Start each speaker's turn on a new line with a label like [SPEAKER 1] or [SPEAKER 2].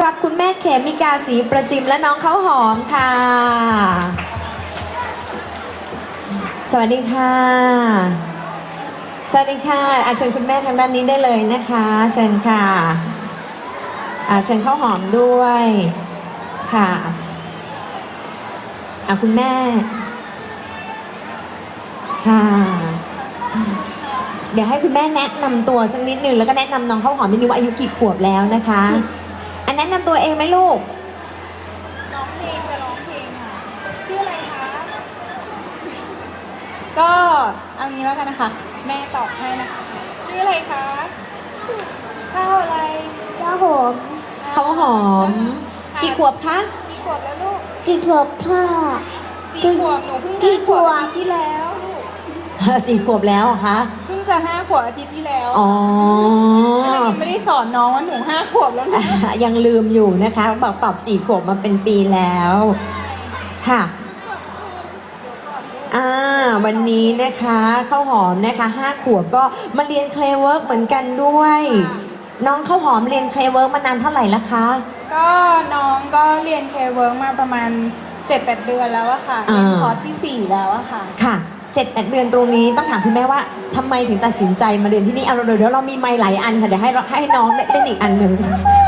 [SPEAKER 1] รับคุณแม่เขมิกาศรีประจิมและน้องข้าวหอมค่ะสวัสดีค่ะสวัสดีค่ะเชิญคุณแม่ทางด้านนี้ได้เลยนะคะเชิญค่ะเชิญข้าวหอมด้วยค่ะคุณแม่ค่ะเดี๋ยวให้คุณแม่แนะนำตัวสักนิดนึงแล้วก็แนะนำน้องข้าวหอมนิดนึงว่าอายุกี่ขวบแล้วนะคะแนะนำตัวเองไหมลูก
[SPEAKER 2] ร้องเพลงจะร้องเพลงค่ะชื่ออะไรคะก็เอางี้แล้วกันนะคะแม่ตอบให้นะคะชื่ออะไรคะข้าวอะไร
[SPEAKER 3] ข้าวหอม
[SPEAKER 1] ข้าวหอมกี่ขวบคะ
[SPEAKER 2] กี่ขวบแล้วลูก
[SPEAKER 3] กี่ขวบค่ะ
[SPEAKER 2] 4 ขวบหนูเพิ่ง5 ขวบอาทิตย์ที่แล้วลูก
[SPEAKER 1] 4 ขวบแล้วเหรอคะ
[SPEAKER 2] เพิ่งจะ5 ขวบอาทิตย์ที่แล้ว
[SPEAKER 1] อ๋อ
[SPEAKER 2] ไม่ได้สอนน้องว่าหนู5 ขวบแล้วนะ
[SPEAKER 1] ยังลืมอยู่นะคะบอกตอบ4 ขวบมาเป็นปีแล้วค่ะวันนี้นะคะข้าวหอมนะคะ5 ขวบก็มาเรียนเคลเวิร์กเหมือนกันด้วยน้องข้าวหอมเรียนเคลเวิร์กมานานเท่าไหร่แล้วคะ
[SPEAKER 2] ก็น้องก็เรียนเคเวิร์กมาประมาณ 7-8 เดือนแล้วอะค่ะเรียนคอร์สที่4แล้วอะค่ะ
[SPEAKER 1] ค่ะ7-8 เดือนตรงนี้ต้องถามคุณแม่ว่าทำไมถึงตัดสินใจมาเรียนที่นี่เดี๋ยวเรามีไมค์หลายอันค่ะเดี๋ยวให้น้องเล่นอีกอันหนึ่ง